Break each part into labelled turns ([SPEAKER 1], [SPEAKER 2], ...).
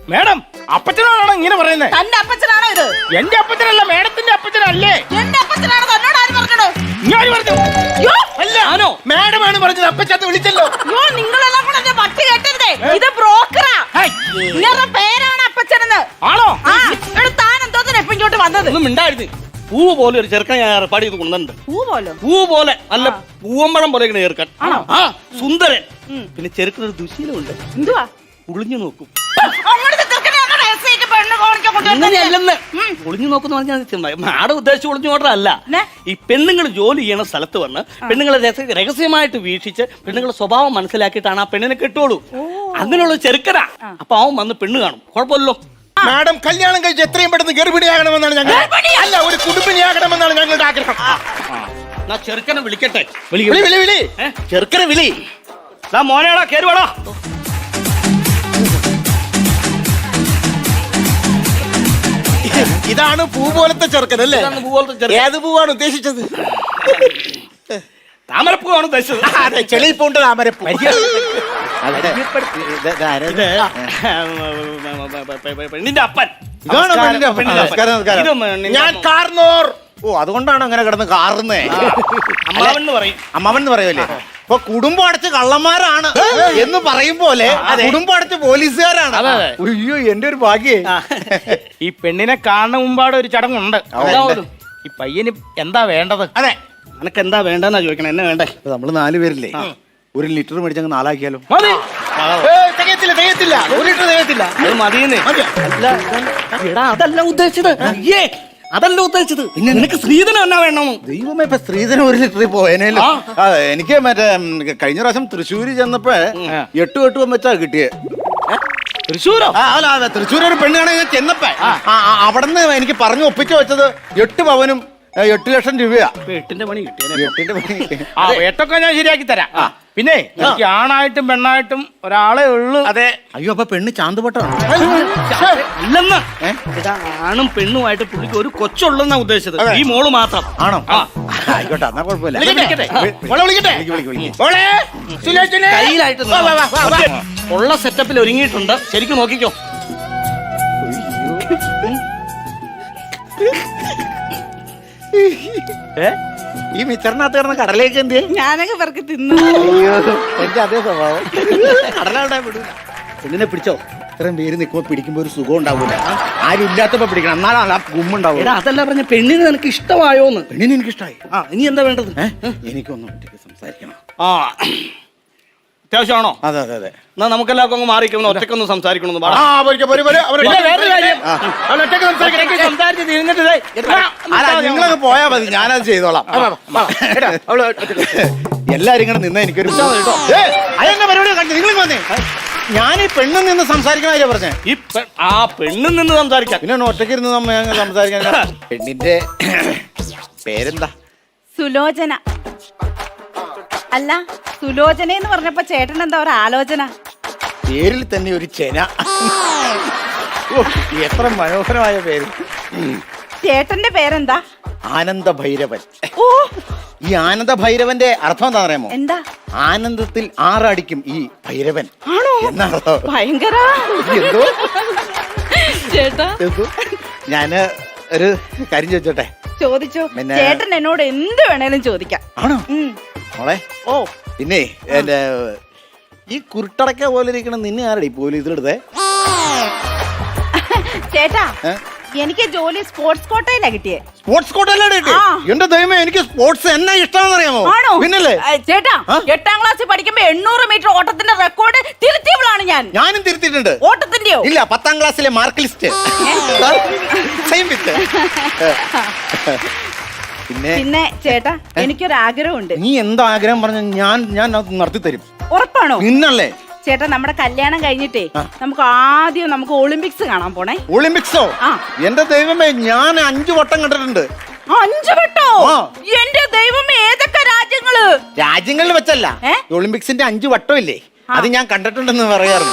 [SPEAKER 1] Madam അപ്പച്ചനാണോ ഇങ്ങനെ പറയുന്നത്?
[SPEAKER 2] തന്റെ അപ്പച്ചനാണോ ഇത്?
[SPEAKER 1] എന്റെ അപ്പച്ചനല്ല, മേഡത്തിന്റെ അപ്പച്ചനല്ലേ?
[SPEAKER 2] എന്റെ അപ്പച്ചനാണ്. തന്നോട് ആര് പറഞ്ഞോ?
[SPEAKER 1] ഞാൻ പറഞ്ഞു. അല്ല ആണോ? മേഡമാണ് പറഞ്ഞത്. അപ്പച്ചത്ത് വിളിച്ചല്ലോ.
[SPEAKER 2] അയ്യോ, നിങ്ങളെല്ലാം കൂടെ എന്നെ പട്ടി കേട്ടരുതേ. ഇത് ബ്രോക്കറാ. നിങ്ങളുടെ പേരാണ് അപ്പച്ചനെന്ന്.
[SPEAKER 1] ആണോ?
[SPEAKER 2] താൻ എന്തോത്തിന് എപ്പോ ഇങ്ങോട്ട് വന്നത്?
[SPEAKER 3] ഒന്നും മിണ്ടായിരുന്നു. പൂ പോലെ ഒരു ചെറുക്കൻ ഞാൻ ഏർപ്പാട് ചെയ്ത് കൊണ്ടുണ്ട്. പൂ പോലെ നല്ല പൂവമ്പഴം പോലെ ചെറുക്കൻ. ആ സുന്ദരൻ. പിന്നെ ചെറുക്കനൊരു ദുശീലമുണ്ട്.
[SPEAKER 2] എന്തുവാ?
[SPEAKER 3] ഒളിഞ്ഞു നോക്കും.
[SPEAKER 2] അങ്ങനെയല്ലെന്ന്
[SPEAKER 3] ഒളിഞ്ഞു നോക്കുന്ന പറഞ്ഞാൽ മാഡം ഉദ്ദേശിച്ച് ഒളിഞ്ഞു നോട്ടല്ല. ഈ പെണ്ണുങ്ങൾ ജോലി ചെയ്യണ സ്ഥലത്ത് വന്ന് പെണ്ണുങ്ങളെ രഹസ്യമായിട്ട് വീക്ഷിച്ച് പെണ്ണുങ്ങളുടെ സ്വഭാവം മനസ്സിലാക്കിയിട്ടാണ് ആ പെണ്ണിനെ കെട്ടുള്ളൂ. അങ്ങനെയുള്ള ചെറുക്കനാ. അപ്പൊ അവൻ വന്ന് പെണ്ണ് കാണും. കുഴപ്പമില്ലല്ലോ.
[SPEAKER 1] മാഡം കല്യാണം കഴിച്ച് എത്രയും പെട്ടെന്ന് ഗർഭിണിയാകണമെന്നാണ് ഞങ്ങൾ. അല്ല, ഒരു കുടുംബിനിയാകണമെന്നാണ് ഞങ്ങളുടെ ആഗ്രഹം.
[SPEAKER 3] ചെറുക്കനെ വിളിക്കട്ടെ.
[SPEAKER 1] ചെറുക്കനെ വിളി.
[SPEAKER 3] മോനേടാ കേറുവാടാ.
[SPEAKER 1] ഇതാണ് പൂ പോലത്തെ ചെറുക്കനല്ലേ? ഏത് പൂവാണ് ഉദ്ദേശിച്ചത്?
[SPEAKER 3] താമരപ്പൂവാണ് ഉദ്ദേശിച്ചത്.
[SPEAKER 1] അതെ, ചെളിപ്പൂണ്ട് താമരപ്പൂ.
[SPEAKER 3] പെണ്ണിന്റെ അപ്പൻ.
[SPEAKER 1] ഞാൻ കാർന്നോർ.
[SPEAKER 4] ഓ, അതുകൊണ്ടാണ് അങ്ങനെ കിടന്ന് കാറുന്നേ.
[SPEAKER 3] അമ്മാവൻ പറയും.
[SPEAKER 4] അമ്മാവൻ പറയുമല്ലേ? ഇപ്പൊ കുടുംബം അടച്ച് കള്ളന്മാരാണ് എന്ന് പറയും പോലെ കുടുംബം അടച്ച് പോലീസുകാരാണ്. അയ്യോ, എന്റെ ഒരു ഭാഗ്യേ.
[SPEAKER 1] ഈ പെണ്ണിനെ കാണുന്ന മുമ്പാടെ ഒരു ചടങ്ങുണ്ട്. ഈ പയ്യന് എന്താ വേണ്ടത്?
[SPEAKER 3] അതെ, നിനക്ക് എന്താ വേണ്ടെന്നാ ചോദിക്കണം. എന്നെ വേണ്ടേ?
[SPEAKER 4] നമ്മള് 4 പേരില്ലേ, 1 ലിറ്റർ മേടിച്ചങ്ങ് 4 ആക്കിയാലോ?
[SPEAKER 1] തികയത്തില്ല. 1 ലിറ്റർ തികയത്തില്ല.
[SPEAKER 3] അത് മതിയെന്നേ. അതല്ല ഉദ്ദേശിച്ചത്. അതല്ല ഉദ്ദേശിച്ചത്. നിനക്ക് സ്ത്രീധനം എന്നാ വേണം?
[SPEAKER 4] ദൈവമേ, ഇപ്പൊ സ്ത്രീധനം 1 ലിറ്ററിൽ പോയനല്ലോ. എനിക്ക് മറ്റേ കഴിഞ്ഞ പ്രാവശ്യം തൃശ്ശൂര് ചെന്നപ്പോ 8 കെട്ടുവം വെച്ചാ കിട്ടിയേ.
[SPEAKER 3] തൃശ്ശൂരോ?
[SPEAKER 4] അല്ല, തൃശ്ശൂർ ഒരു പെണ്ണ് കാണാൻ ഞാൻ ചെന്നപ്പോ അവിടുന്ന് എനിക്ക് പറഞ്ഞു ഒപ്പിച്ചു വെച്ചത് 8 പവനും 8 ലക്ഷം രൂപയാ.
[SPEAKER 3] 8ന്റെ പണി കിട്ടിയ.
[SPEAKER 4] 8ന്റെ പണി.
[SPEAKER 1] 8ഒക്കെ ഞാൻ ശരിയാക്കി തരാം. പിന്നെ എനിക്ക് ആണായിട്ടും പെണ്ണായിട്ടും ഒരാളെ ഉള്ളു.
[SPEAKER 3] അതെ.
[SPEAKER 4] അയ്യോ, അപ്പൊ പെണ്ണ് ചാന്തുപട്ടാണ്
[SPEAKER 3] അല്ലെന്ന്. ആണും പെണ്ണുമായിട്ട് പുള്ളിക്ക് ഒരു കൊച്ചുള്ളെന്നാ ഉദ്ദേശിച്ചത്. ഈ മോള് മാത്രം.
[SPEAKER 4] ആണോ? ആയിക്കോട്ടെ, എന്നാ കുഴപ്പമില്ല.
[SPEAKER 3] കയ്യിലായിട്ട് ഉള്ള സെറ്റപ്പിൽ ഒരുങ്ങിയിട്ടുണ്ട്. ശരിക്കും നോക്കിക്കോ.
[SPEAKER 4] ഈ മിച്ചറിനകത്ത് കിടന്ന കടലേക്ക് എന്ത്?
[SPEAKER 2] ഞാനൊക്കെ പേർക്ക് തിന്നു.
[SPEAKER 4] എന്റെ അതേ സ്വഭാവം. കടലാവിടെ വിടൂല. പെണ്ണിനെ പിടിച്ചോ. ഇത്രയും പേര് നിൽക്കുമ്പോ പിടിക്കുമ്പോ ഒരു സുഖം ഉണ്ടാവൂല. ആരും ഇല്ലാത്തപ്പോ പിടിക്കണം, എന്നാലാണ് ആ ഗുമ്മുണ്ടാവൂല.
[SPEAKER 3] അതല്ല പറഞ്ഞ പെണ്ണിന് നിനക്ക് ഇഷ്ടമായോന്ന്?
[SPEAKER 4] പെണ്ണിന് എനിക്ക് ഇഷ്ടമായി.
[SPEAKER 3] ഇനി എന്താ വേണ്ടത്?
[SPEAKER 4] എനിക്കൊന്നും ഒറ്റയ്ക്ക് സംസാരിക്കണം.
[SPEAKER 3] അത്യാവശ്യമാണോ?
[SPEAKER 4] അതെ അതെ അതെ.
[SPEAKER 3] എന്നാ നമുക്കെല്ലാവർക്കും അങ്ങ് മാറിയിരിക്കണം. ഒറ്റക്കൊന്ന് സംസാരിക്കണമെന്ന്
[SPEAKER 4] നിങ്ങളൊക്കെ പോയാ മതി, ഞാനത് ചെയ്തോളാം. എല്ലാരും ഇങ്ങനെ നിന്ന എനിക്കൊരു പരിപാടി കണ്ടു. നിങ്ങൾ വന്നേ. ഞാൻ ഈ പെണ്ണിൽ നിന്ന് സംസാരിക്കണ പറഞ്ഞേ.
[SPEAKER 3] ഈ ആ പെണ്ണിൽ നിന്ന് സംസാരിക്കാം.
[SPEAKER 4] പിന്നെ ഒറ്റയ്ക്ക് ഇരുന്ന് സംസാരിക്കാൻ. പെണ്ണിന്റെ പേരെന്താ?
[SPEAKER 2] സുലോചന. അല്ല, സുലോചന എന്ന് പറഞ്ഞപ്പോ ചേട്ടൻ എന്താ ഒരു ആലോചന?
[SPEAKER 4] പേരിൽ തന്നെ ഒരു ചെന. എത്ര മനോഹരമായ പേര്.
[SPEAKER 2] ചേട്ടന്റെ പേരെന്താ?
[SPEAKER 4] ആനന്ദ ഭൈരവൻ.
[SPEAKER 2] ഓ,
[SPEAKER 4] ഈ ആനന്ദ ഭൈരവന്റെ അർത്ഥം എന്താ അറിയാമോ?
[SPEAKER 2] എന്താ?
[SPEAKER 4] ആനന്ദത്തിൽ 6 അടിക്കും ഈ ഭൈരവൻ.
[SPEAKER 2] ആണോ?
[SPEAKER 4] എന്നാണോ?
[SPEAKER 2] ഭയങ്കര.
[SPEAKER 4] എന്തോ
[SPEAKER 2] ചേട്ടാ,
[SPEAKER 4] ഞാന് ഒരു കാര്യം ചോദിച്ചോട്ടെ?
[SPEAKER 2] ചോദിച്ചോ. ചേട്ടൻ എന്നോട് എന്ത് വേണേലും ചോദിക്കാം.
[SPEAKER 4] ആണോ മോളെ?
[SPEAKER 2] ഓ,
[SPEAKER 4] പിന്നെ എന്റെ ഈ കുരുട്ടടക്ക പോലെ ഇരിക്കണ നിന്നെ ആരടി പോലീസിലെടുത്തേ?
[SPEAKER 2] ചേട്ടാ, എനിക്ക് ജോലി സ്പോർട്സ് കോട്ടയിലാ കിട്ടിയേ.
[SPEAKER 4] സ്പോർട്സ് കോട്ടയിലാണ് കിട്ടിയ? എന്റെ ദൈവമേ, എനിക്ക് സ്പോർട്സ് എന്നാ ഇഷ്ടമാണെന്ന് അറിയാമോ? പിന്നല്ലേ
[SPEAKER 2] ചേട്ടാ, 8ാം ക്ലാസ്സിൽ പഠിക്കുമ്പോ 800 മീറ്റർ ഓട്ടത്തിന്റെ റെക്കോർഡ് തിരുത്തിയവളാണ് ഞാൻ.
[SPEAKER 4] ഞാനും തിരുത്തിയിട്ടുണ്ട്.
[SPEAKER 2] ഓട്ടത്തിന്റെയോ?
[SPEAKER 4] ഇല്ല, 10ാം ക്ലാസ്സിലെ മാർക്ക് ലിസ്റ്റ്.
[SPEAKER 2] പിന്നെ ചേട്ടാ, എനിക്കൊരാഗ്രഹമുണ്ട്.
[SPEAKER 4] നീ എന്താ ആഗ്രഹം പറഞ്ഞ ഞാൻ നടത്തി തരും.
[SPEAKER 2] ഉറപ്പാണോ?
[SPEAKER 4] നിന്നല്ലേ?
[SPEAKER 2] ചേട്ടാ, നമ്മുടെ കല്യാണം കഴിഞ്ഞിട്ടേ നമുക്ക് ആദ്യം ഒളിമ്പിക്സ് കാണാൻ പോണേ.
[SPEAKER 4] ഒളിമ്പിക്സോ? എന്റെ ദൈവമേ, ഞാൻ 5 വട്ടം കണ്ടിട്ടുണ്ട്.
[SPEAKER 2] 5 വട്ടോ? എന്റെ ദൈവമേ, ഏതൊക്കെ രാജ്യങ്ങള്?
[SPEAKER 4] രാജ്യങ്ങളിൽ വെച്ചല്ല, ഒളിമ്പിക്സിന്റെ 5 വട്ടം ഇല്ലേ, അത് ഞാൻ കണ്ടിട്ടുണ്ടെന്ന് പറയാറുണ്ട്.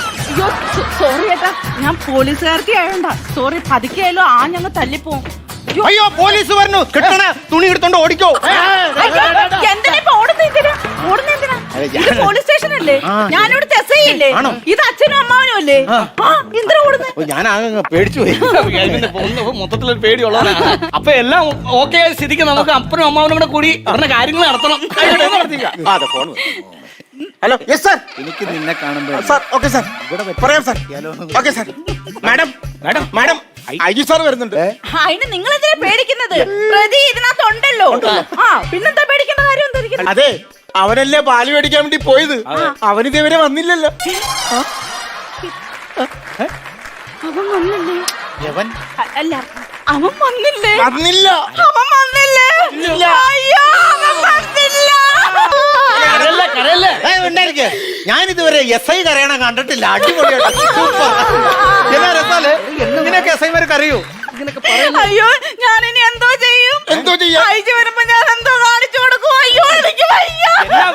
[SPEAKER 4] സോറി ചേട്ടാ, ഞാൻ പോലീസുകാർക്ക് ആയോണ്ടാ. സോറി, പതുക്കെയായാലും ഞങ്ങൾ തല്ലിപ്പോവും. അയ്യോ പോലീസ് പറഞ്ഞു കിട്ടണ തുണി എടുത്തോണ്ട് ഓടിക്കോ.
[SPEAKER 2] എന്തിനാ ഇപ്പൊ ഓടുന്നതിനാ? ഇത് പോലീസ് സ്റ്റേഷൻ അല്ലേ? ഞാനിവിടുത്തെ എസ് ഐ അല്ലേ? ഇത് അച്ഛനും അമ്മാവനും അല്ലേ? എന്തിനാ ഓടുന്നത്?
[SPEAKER 4] ഞാൻ പേടിച്ചു പോയി.
[SPEAKER 3] മൊത്തത്തിലൊരു പേടിയുള്ളതാണ്. അപ്പൊ എല്ലാം ഓക്കെ ആയ സ്ഥിതിക്ക് നമുക്ക് അപ്പനും അമ്മാവനും കൂടെ കൂടി അവരുടെ കാര്യങ്ങൾ നടത്തണം.
[SPEAKER 4] അതെ ഫോൺ. Hello yes sir. എനിക്ക് നിന്നെ കാണുമ്പോ സാർ. ഓക്കെ സാർ പറയാം sir. Okay sir. Madam madam madam I G sir വരുന്നുണ്ട്.
[SPEAKER 2] അതിന് നിങ്ങൾ എന്തിനാ പേടിക്കുന്നത്? പ്രതി ഇതിനകത്ത് ഉണ്ടല്ലോ. പിന്നെന്താ പേടിക്കേണ്ട കാര്യം എന്താ?
[SPEAKER 1] അതെ അവനല്ലേ പാല് മേടിക്കാൻ വേണ്ടി പോയത്, അവനിതേവരെ വന്നില്ലല്ലോ.
[SPEAKER 2] അവൻ വന്നില്ലേ?
[SPEAKER 4] യവൻ
[SPEAKER 2] അല്ല അവൻ വന്നില്ലേ?
[SPEAKER 1] വന്നില്ല.
[SPEAKER 2] അവൻ വന്നില്ലേ? അയ്യോ അവൻ വന്നില്ല.
[SPEAKER 4] ഞാൻ ഇതുവരെ എസ് ഐ കരയണം കണ്ടിട്ടില്ല. അടിപൊളിയായിട്ട് ഇങ്ങനെയൊക്കെ എസ് ഐമാർക്ക് അറിയൂ.
[SPEAKER 2] അയ്യോ ഞാൻ ഇനി എന്തോ ചെയ്യും?
[SPEAKER 1] എന്തോ ചെയ്യാ?
[SPEAKER 2] അയച്ചു വരുമ്പോ ഞാൻ എന്തോ കാണിച്ചു കൊടുക്കും. അയ്യോ എനിക്ക് വയ്യ.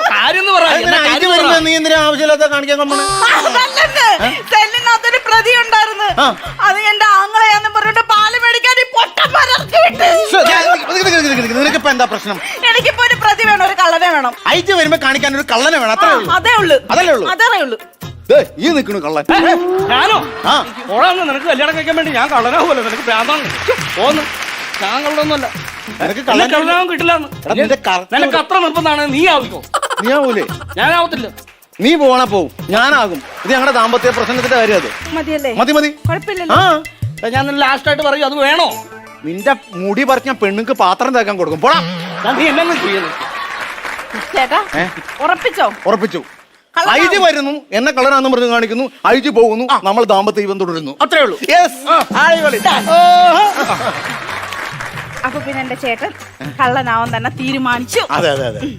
[SPEAKER 4] നീ എന്തിനാ ആവശ്യമില്ലാത്ത കാണിക്കാൻ കൊണ്ടേ?
[SPEAKER 2] സെല്ലിനകത്തൊരു പ്രതി ഉണ്ടായിരുന്നു. അത് എന്റെ ആങ്ങളെയാന്ന് പറഞ്ഞിട്ട് പാല് മേടിക്കാൻ ഈ പൊട്ടന്മാർ ഇറക്കി വിട്ട്.
[SPEAKER 4] നിനക്കിപ്പോ എന്താ പ്രശ്നം?
[SPEAKER 2] എനിക്കിപ്പോ ഒരു പ്രതി വേണം, ഒരു കള്ളനെ വേണം.
[SPEAKER 4] അയച്ചു വരുമ്പോ കാണിക്കാൻ ഒരു കള്ളനെ വേണം. അത്രേ ഉള്ളൂ.
[SPEAKER 2] അതേ ഉള്ളൂ.
[SPEAKER 4] അതല്ലേ ഉള്ളൂ.
[SPEAKER 2] അതേ ഉള്ളൂ.
[SPEAKER 4] ഈ നിൽക്കണു കള്ളൻ.
[SPEAKER 3] ഞാനോ? ഓളാന്ന് നിനക്ക് കല്യാണം കഴിക്കാൻ വേണ്ടി ഞാൻ കള്ളനാവുമല്ലോ. നിനക്ക് ഭ്രാന്താണ്. പോന്ന് ഞാൻ കള്ളൊന്നുമല്ല.
[SPEAKER 4] നിനക്ക്
[SPEAKER 3] കള്ളനാവും കിട്ടില്ല. നിനക്ക് അത്ര നിർബന്ധമാണ്. നീ ആവിക്കോ.
[SPEAKER 4] നീ ആവൂലേ?
[SPEAKER 3] ഞാനാവത്തില്ല.
[SPEAKER 4] നീ പോണ പോവും, ഞാനാകും. ഇത് ഞങ്ങളുടെ ദാമ്പത്യ പ്രശ്നത്തിന്റെ കാര്യം. അത്
[SPEAKER 2] മതിയല്ലേ?
[SPEAKER 4] മതി മതി.
[SPEAKER 2] കുഴപ്പമില്ലല്ലോ.
[SPEAKER 3] ഞാൻ ലാസ്റ്റ് ആയിട്ട് പറയും, അത് വേണോ?
[SPEAKER 4] നിന്റെ മുടി പറിച്ച പെണ്ണുക്ക് പാത്രം തേക്കാൻ കൊടുക്കും. പോടാ.
[SPEAKER 3] നീ എന്നെ ചെയ്യുന്നു
[SPEAKER 2] ചേട്ടാ ഉറപ്പിച്ചോ?
[SPEAKER 4] ഉറപ്പിച്ചു. ഐജി വരുന്നു, എന്നെ കളറാന്ന് പറഞ്ഞ് കാണിക്കുന്നു, ഐജി പോകുന്നു, നമ്മൾ ദാമ്പത്യ ജീവൻ തുടരുന്നു. അത്രേ ഉള്ളൂ.
[SPEAKER 2] അപ്പൊ പിന്നെ എന്റെ ചേട്ടൻ കള്ളനാവാൻ തന്നെ തീരുമാനിച്ചു.
[SPEAKER 4] അതെ അതെ അതെ.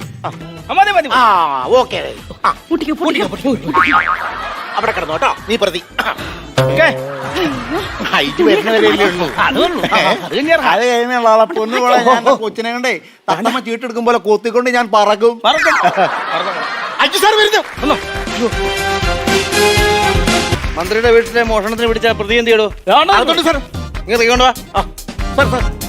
[SPEAKER 4] അവിടെ കിടന്നോട്ടോ നീ പ്രതി. ഐജി വരുന്നവരല്ലേ ഉള്ളൂ. അത് കഴിഞ്ഞുള്ള ആളെ പൊന്നുപോലെ ഞാൻ കൊച്ചിനെ കണ്ടേ തത്തമ്മ ചീട്ടെടുക്കും പോലെ കൊത്തിക്കൊണ്ട് ഞാൻ പറക്കും. ഐജി സാർ വരുന്നു. മന്ത്രിയുടെ വീട്ടിലെ മോഷണത്തിന് പിടിച്ച പ്രതി എന്ത് ചെയ്യടോ? സാർ ഇങ്ങനെ തീകൊണ്ട് വാ. സാർ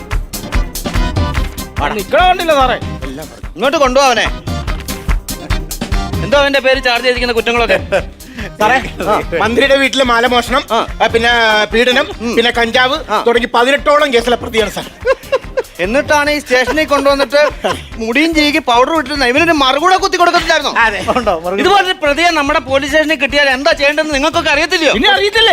[SPEAKER 4] സാർ നിക്കണ കണ്ടില്ല സാറേ. ഇങ്ങോട്ട് കൊണ്ടുപോവനെ. എന്തോ അവന്റെ പേര് ചാർജ് ചെയ്തിരിക്കുന്ന കുറ്റങ്ങളൊക്കെ?
[SPEAKER 1] സാറേ മന്ത്രിയുടെ വീട്ടിലെ മാലമോഷണം, പിന്നെ പീഡനം, പിന്നെ കഞ്ചാവ് തുടങ്ങി 18ഓളം കേസിലെ പ്രതിയാണ് സാർ.
[SPEAKER 4] എന്നിട്ടാണ് ഈ സ്റ്റേഷനിൽ കൊണ്ടുവന്നിട്ട് മുടിയും ചീകി പൗഡർ ഇട്ടിരുന്ന ഇവനൊരു മറുകൂടെ കുത്തി കൊടുക്കത്തില്ലായിരുന്നോ? ഇതുപോലെ പ്രതിയെ നമ്മുടെ പോലീസ് സ്റ്റേഷനിൽ കിട്ടിയാൽ എന്താ ചെയ്യേണ്ടതെന്ന് നിങ്ങൾക്കൊക്കെ അറിയത്തില്ലയോ?
[SPEAKER 3] ഇനി അറിയത്തില്ലേ?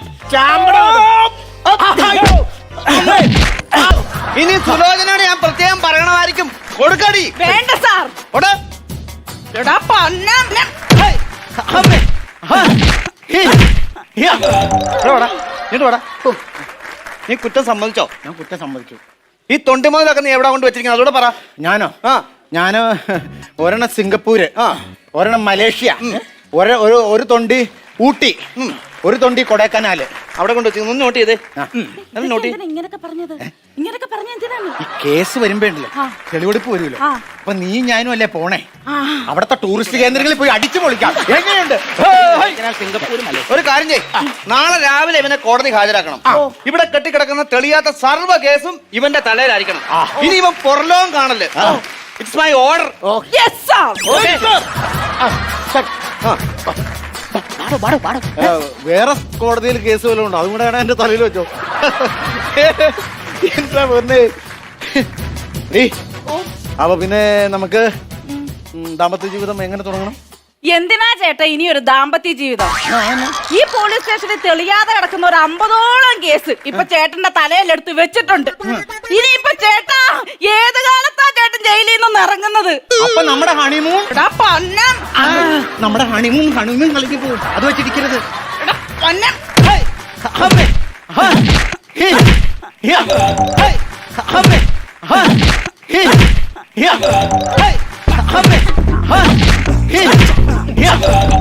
[SPEAKER 4] ഇനി സുലോചനയോട് ഞാൻ പ്രത്യേകം പറയണമായിരിക്കും. കൊടുക്കടി.
[SPEAKER 2] വേണ്ട സാർ.
[SPEAKER 4] നീ കുറ്റം സമ്മതിച്ചോ? ഞാൻ കുറ്റം സമ്മതിച്ചു. ഈ തൊണ്ടി മുതലൊക്കെ നീ എവിടെ കൊണ്ട് വെച്ചിരിക്കുന്നത് അതോടെ പറ. ഞാനോ? ഞാന് ഒരെണ്ണം സിംഗപ്പൂര്, ഒരെണ്ണം മലേഷ്യ, ഒരു തൊണ്ടി ഊട്ടി, ഒരു തൊണ്ടി കൊടൈക്കനാല്. അവിടെ കൊണ്ട് വെച്ചു. നോട്ട് ചെയ്തേ. ഈ കേസ് വരുമ്പോണ്ടല്ലോ തെളിവെടുപ്പ് വരുമല്ലോ. അപ്പൊ നീ ഞാനും അല്ലേ പോണേ. അവിടത്തെ ടൂറിസ്റ്റ് കേന്ദ്രങ്ങളിൽ പോയി അടിച്ചു പൊളിക്കാം. എങ്ങനെയുണ്ട്? ഒരു കാര്യം ചെയ്യ്, നാളെ രാവിലെ ഇവനെ കോടതി ഹാജരാക്കണം. ഇവിടെ കെട്ടിക്കിടക്കുന്ന തെളിയാത്ത സർവ്വ കേസും ഇവന്റെ തലയിലായിരിക്കണം. ഇനി ഇവൻ പുറലോകം കാണല്ലേ. It's my order. വേറെ കോടതിയിൽ കേസ് വല്ലതും ഉണ്ടോ? അതും കൂടെ എന്റെ തലയിൽ വെച്ചോ. എന്താ പറഞ്ഞേ? അപ്പൊ പിന്നെ നമുക്ക് ദാമ്പത്യ ജീവിതം എങ്ങനെ തുടങ്ങണം?
[SPEAKER 2] എന്തിനാ ചേട്ടാ ഇനി ഒരു ദാമ്പത്യ ജീവിതം? ഈ പോലീസ് സ്റ്റേഷനിൽ തെളിയാതെ കിടക്കുന്ന ഒരു 50ഓളം കേസ് ഇപ്പൊ ചേട്ടന്റെ തലയിലെടുത്ത് വെച്ചിട്ടുണ്ട്. ഇനിയിപ്പൊ ചേട്ടാ ഏത് കാലത്താ ചേട്ടൻ ജയിലിൽ നിന്ന് ഇറങ്ങുന്നത്?
[SPEAKER 4] അപ്പൊ നമ്മുടെ ഹണിമൂൺ കളിക്ക് പോകും. അത് വെച്ചിരിക്കരുത്. Yeah.